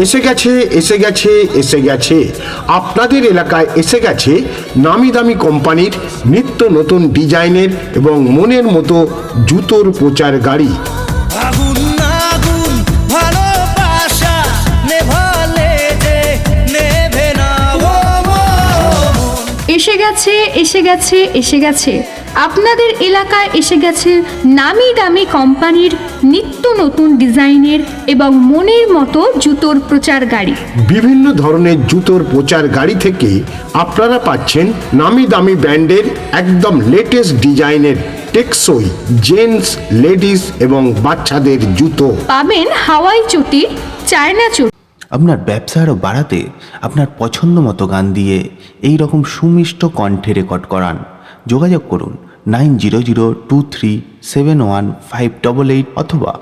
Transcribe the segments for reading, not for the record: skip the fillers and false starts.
এসে গেছে আপনাদের এলাকায় এসে গেছে নামি দামি কোম্পানির নিত্য নতুন ডিজাইনের এবং মনের মতো জুতোর প্রচার গাড়ি। আগুন আগুন ভালোবাসা নেভালে যে নেভে না। এসে গেছে আপনাদের এলাকায় এসে গেছে নামি দামি কোম্পানির নিত্য নতুন ডিজাইনের এবং মনের মতো জুতোর প্রচার গাড়ি। বিভিন্ন ধরনের জুতোর প্রচার গাড়ি থেকে আপনারা পাচ্ছেন নামি দামি ব্র্যান্ডের একদম লেটেস্ট ডিজাইনের টেকসই জেন্টস, লেডিস এবং বাচ্চাদের জুতো। পাবেন হাওয়াই চটি, চায়না চটি। আপনার ব্যবসা আরও বাড়াতে আপনার পছন্দ মতো গান দিয়ে এই রকম সুমিষ্ট কণ্ঠে রেকর্ড করান। যোগাযোগ করুন 9002371588 অথবা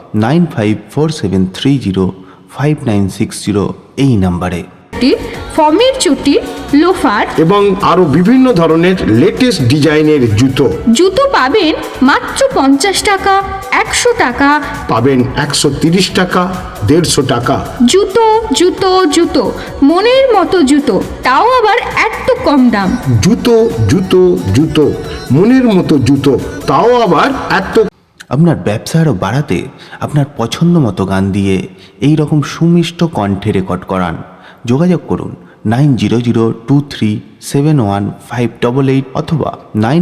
9547305960 এই নাম্বারে। ফর্মের চটি, লোফার এবং আরো বিভিন্ন ধরনের লেটেস্ট ডিজাইনের জুতো পাবেন মাত্র 50 টাকা, 100 টাকা, পাবেন 130 টাকা, 150 টাকা। জুতো জুতো জুতো মনের মতো জুতো, তাও আবার এত কম দাম। জুতো মনের মতো জুতো, তাও আবার এত। আপনার ব্যবসা আরও বাড়াতে আপনার পছন্দ মতো গান দিয়ে এই রকম সুমিষ্ট কণ্ঠে রেকর্ড করান। যোগাযোগ করুন 9002371588 অথবা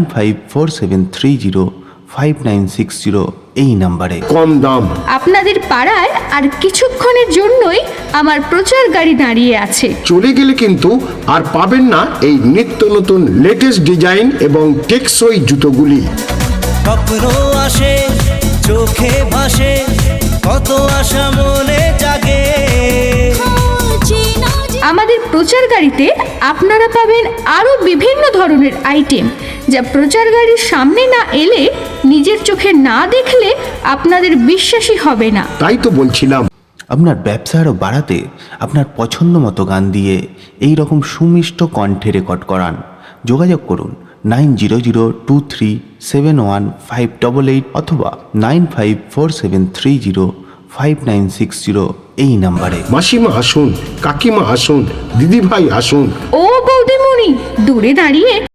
9547305960 এই নাম্বারে। কম দাম আপনাদের পাড়ায় আর কিছুক্ষণের জন্যই আমার প্রচার গাড়ি দাঁড়িয়ে আছে। চলে গেলে কিন্তু আর পাবেন না এই নিত্য নতুন লেটেস্ট ডিজাইন এবং টেকসই জুতোগুলি। স্বপ্ন আসে চোখে ভাসে, কত আশা মনে জাগে। আমাদের প্রচার গাড়িতে আপনারা পাবেন আরও বিভিন্ন ধরনের আইটেম, যা প্রচার গাড়ির সামনে না এলে, নিজের চোখে না দেখলে আপনাদের বিশ্বাসই হবে না। তাই তো বলছিলাম, আপনার ব্যবসা আরও বাড়াতে আপনার পছন্দ মতো গান দিয়ে এই রকম সুমিষ্ট কণ্ঠে রেকর্ড করান। যোগাযোগ করুন 9002371588 অথবা 9547305960 এই নাম্বারে। মাসিমা আসুন, কাকিমা আসুন, দিদিভাই আসুন। ও বৌদিমণি, দূরে দাঁড়িয়ে